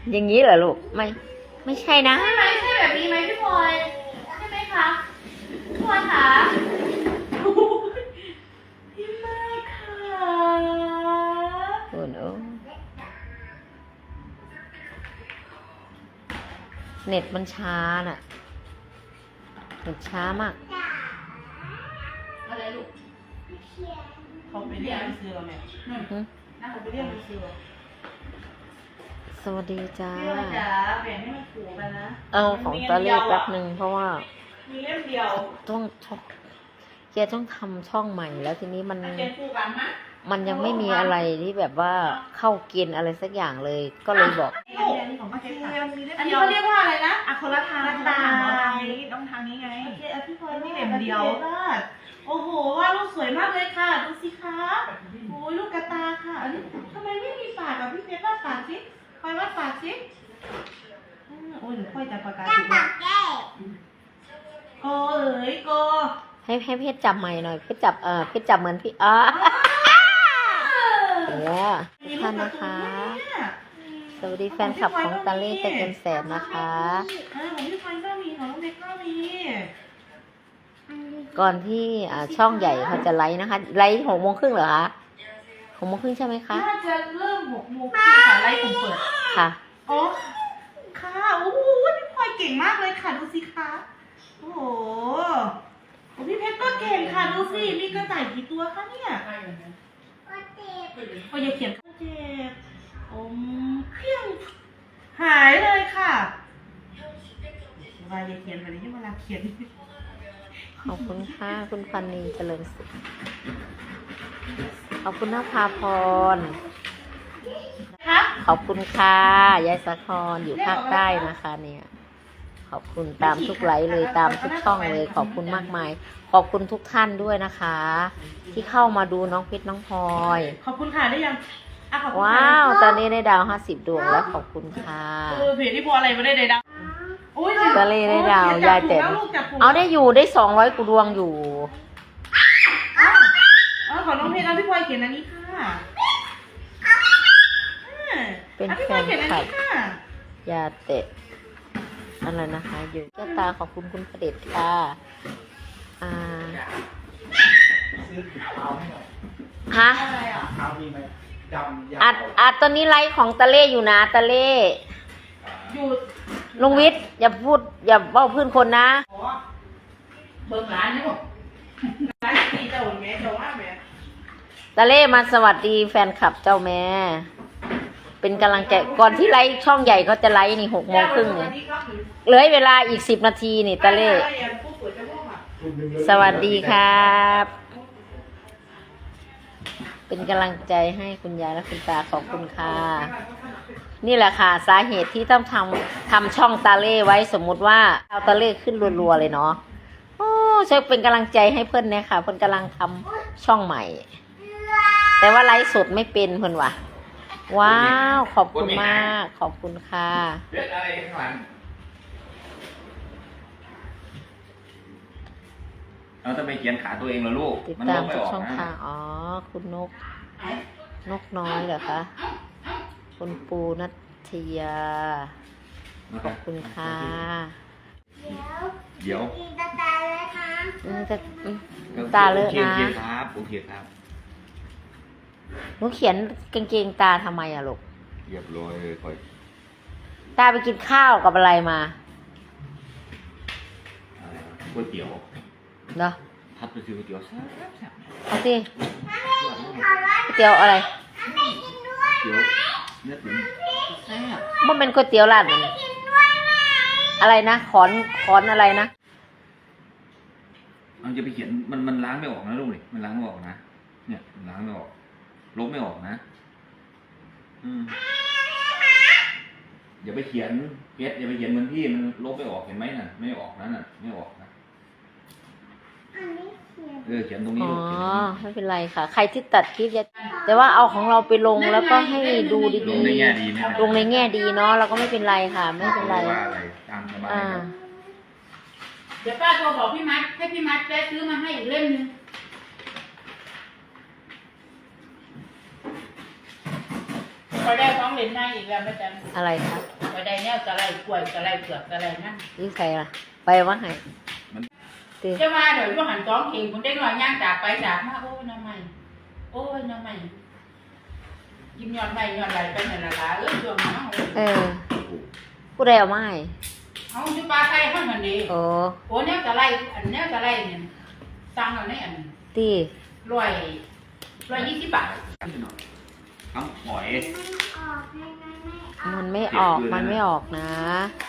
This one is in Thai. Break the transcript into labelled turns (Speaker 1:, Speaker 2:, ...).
Speaker 1: อย่างนี้เหรอลูกไม่ใช่นะ
Speaker 2: ใช่ไหมใช่แบบนี้ไหมพี่พลอยใช่ไหมคะพี่พลอยคะพี่มากค่ะ
Speaker 1: โอ้โหเน็ตมันช้าน่ะเน็ตช้ามาก
Speaker 2: อะไรลูกเขาไปเรียกไปซื้อแม่น่าเขาไปเรียกไปซื้อ
Speaker 1: สวัสดีจ้า
Speaker 2: พี่ว่าจ๋าแบ่งให้มันถูกกันนะ
Speaker 1: ของตาเล่แป๊บหนึ่งเพราะว่า
Speaker 2: มีเล่มเดียว
Speaker 1: ต้องแกต้องทำช่องใหม่แล้วทีนี้มันยังไม่มีอะไรที่แบบว่าเข้าเกณฑ์อะไรสักอย่างเลยก็เลยบอก
Speaker 2: อันนี้เขาเรียกว่าอะไรนะอะคนละทางตาต้องทางนี้ไงโอเคพี่พลอยนี่เล่มเดียวโอ้โหว่าลูกสวยมากเลยค่ะดูสิคะโอ้ยลูกกระตาค่ะอันนี้ทำไมไม่มีปากอ่ะพี่เพชรวาดปากสิคอยวาดปากสิโอ้ยหนูค่อยจับปากกาถูกโกเอ๋ยโก
Speaker 1: ให้เพชรจับใหม่หน่อยเพชรจับเพชรจับเหมือนพี่เนี่ยทุกท่านนะคะสวัสดีแฟนคลับของตาเล่ใจเกินแสนนะคะ
Speaker 2: ของพี่พลอยก็มีของน้องเด็กก็มี
Speaker 1: ก่อนที่ช่องใหญ่เขาจะไลฟ์นะคะไลฟ์6:30เหรอคะ6:30ใช่ไหมคะ
Speaker 2: น่าจะเริ่ม6:00ค่ะไลฟ์ผมเปิด
Speaker 1: ค่ะ
Speaker 2: อ๋อค่ะโอ้โหพี่พลอยเก่งมากเลยค่ะดูสิคะโอ้โหพี่เพชรก็เก่งค่ะดูสิมีกระต่ายกี่ตัวคะเนี่ยโอ้ยอย่าเขียนเจ็บเพี้ยงหายเลยค่ะว่าอย่าเขียนแบบนี้เวลาเขียน
Speaker 1: ขอบคุณค่ะคุณพันนีเจริญสุขขอบคุณนภาพรขอบคุณค่ะยายสะครอยู่ภาคใต้นะคะเนี่ยขอบคุณตามทุกไลฟ์เลยตามทุกช่องเลยขอบคุณมากมายขอบคุณทุกท่านด้วยนะคะ ที่เข้ามาดูน้องเพชรน้องพลอย
Speaker 2: ขอบคุณค่ะได้ยัง
Speaker 1: ว้าวตอนนี้ได้ดาว50 ดวงแล้วขอบคุณค่ะ
Speaker 2: เพจที่พออะไรไม่ได้ดาว
Speaker 1: ตะเล่ได้ดาวยายเต็มเอาได้อยู่ได้200 กว่าดวงอยู่
Speaker 2: ขอน้องเพชรพี่พลอยเขียนอันนี้ค่ะ
Speaker 1: เป็นแฟนคลับยาเตะอะไรนะคะอยู่เจ้าตาขอบคุณคุณประเด็จค่ะฮะอัดตอนนี้ไลฟ์ของตะเล่อยู่นะตะเล่
Speaker 2: อยู่
Speaker 1: ลุงวิทย์อย่าพูดอย่าว่าพื้นคนนะ
Speaker 2: เบิ่งร้านนี่หมดร้านที่เจ้าแม่เจ้าว่าแม่
Speaker 1: ตะเล่มาสวัสดีแฟนคลับเจ้าแม่เป็นกำลังใจก่อนที่ไลฟ์ช่องใหญ่เขาจะไลฟ์นี่6:30เนี่ยเหลือเวลาอีก10 นาทีนี่ตะเล่สวัสดีครับเป็นกำลังใจให้คุณยายและคุณตาขอบคุณค่ะนี่แหละค่ะสาเหตุที่ต้องทำช่องตาเล่ไว้สมมุติว่าเอาตาเล่ขึ้นรัวๆเลยเนาะโอ้ช่วยเป็นกำลังใจให้เพื่อนเนี่ยค่ะเพื่อนกำลังทำช่องใหม่แต่ว่าไลฟ์สดไม่เป็นเพื่อนว่ะว้าวขอบคุณมากขอบคุณค่ะ
Speaker 3: อะไรข้างหลังเราจะไปเขียนขาตัวเองเหรอลูก
Speaker 1: ติดตามทุกช่องทางอ๋อคุณนกน้อยเหรอคะคุณปูนัทยาขอบคุณค่ะ
Speaker 3: เดี๋ยว
Speaker 1: ตาเลยตาเลอะนะ
Speaker 3: โอเคครับ
Speaker 1: หนูเขียนกางเกงตาทำไมอะลูก
Speaker 3: เรียบร้อยเลยค่อย
Speaker 1: ตาไปกินข้าวกับอะไรมา
Speaker 3: ก๋วยเตี๋ยว
Speaker 1: เนาะ
Speaker 3: ทัดไปซื้อก๋วยเตี๋ยว
Speaker 1: เอาสิก๋วยเตี๋ยวอะไร
Speaker 3: เตี๋ยวเนื้อตุ๋น
Speaker 1: มันเป็นก๋วยเตี๋ยวร้านอะไรนะขอนอะไรนะ
Speaker 3: เอาจะไปเขียนมันล้างไม่ออกนะลูกนี่มันล้างไม่ออกนะเนี่ยล้างไม่ออกลบไม่ออกนะอย่าไปเขียนเพชรอย่าไปเขียนเหมือนพี่มันลบไม่ออกเห็นไหมน่ะไม่ออกนะน่ะไม่ออกนะเขียนตรงนี้
Speaker 1: อ๋อไม่เป็นไรค่ะใครที่ตัดคลิปแต่ว่าเอาของเราไปลงแล้วก็ให้ดูดีๆลงในแง่ดีเนาะเราก็ไม่เป็นไรค่ะไม่เป็นไร
Speaker 2: เดี๋ยวป้าโทรบอกพี่มัดให้พี่มัดแวะซื้อมาให้อีกเล่มนึงพอได้2 เหรียญให้อีกแล้วแม่จัน
Speaker 1: อะไรคะ
Speaker 4: ไปได้แนวจะไรกล้วยจะไรเผือกจะไรนั่น
Speaker 1: นี่ใครล่ะ ไปว่าไงตี
Speaker 4: จะมาเดี๋ยวก็หันกองเข่งคนได้หน่อยย่างจากไปจากมาโอ้ยน้ำใหม่โอ้ยน้ำใหม่ยิ้มย้อนใหม่ย้อนไหลไปนั่นละช่วงนั้น
Speaker 1: เออผู้ใดเอามาให้
Speaker 4: เอาจุปลาไทยให้มันดี
Speaker 1: โอ้
Speaker 4: โอ้แนวจะไรอันแนวจะไรเนี่ยสั่งเอาในอัน
Speaker 1: ตี
Speaker 4: 120 บาท
Speaker 3: ทำหอย
Speaker 1: มันไม่ออกนะ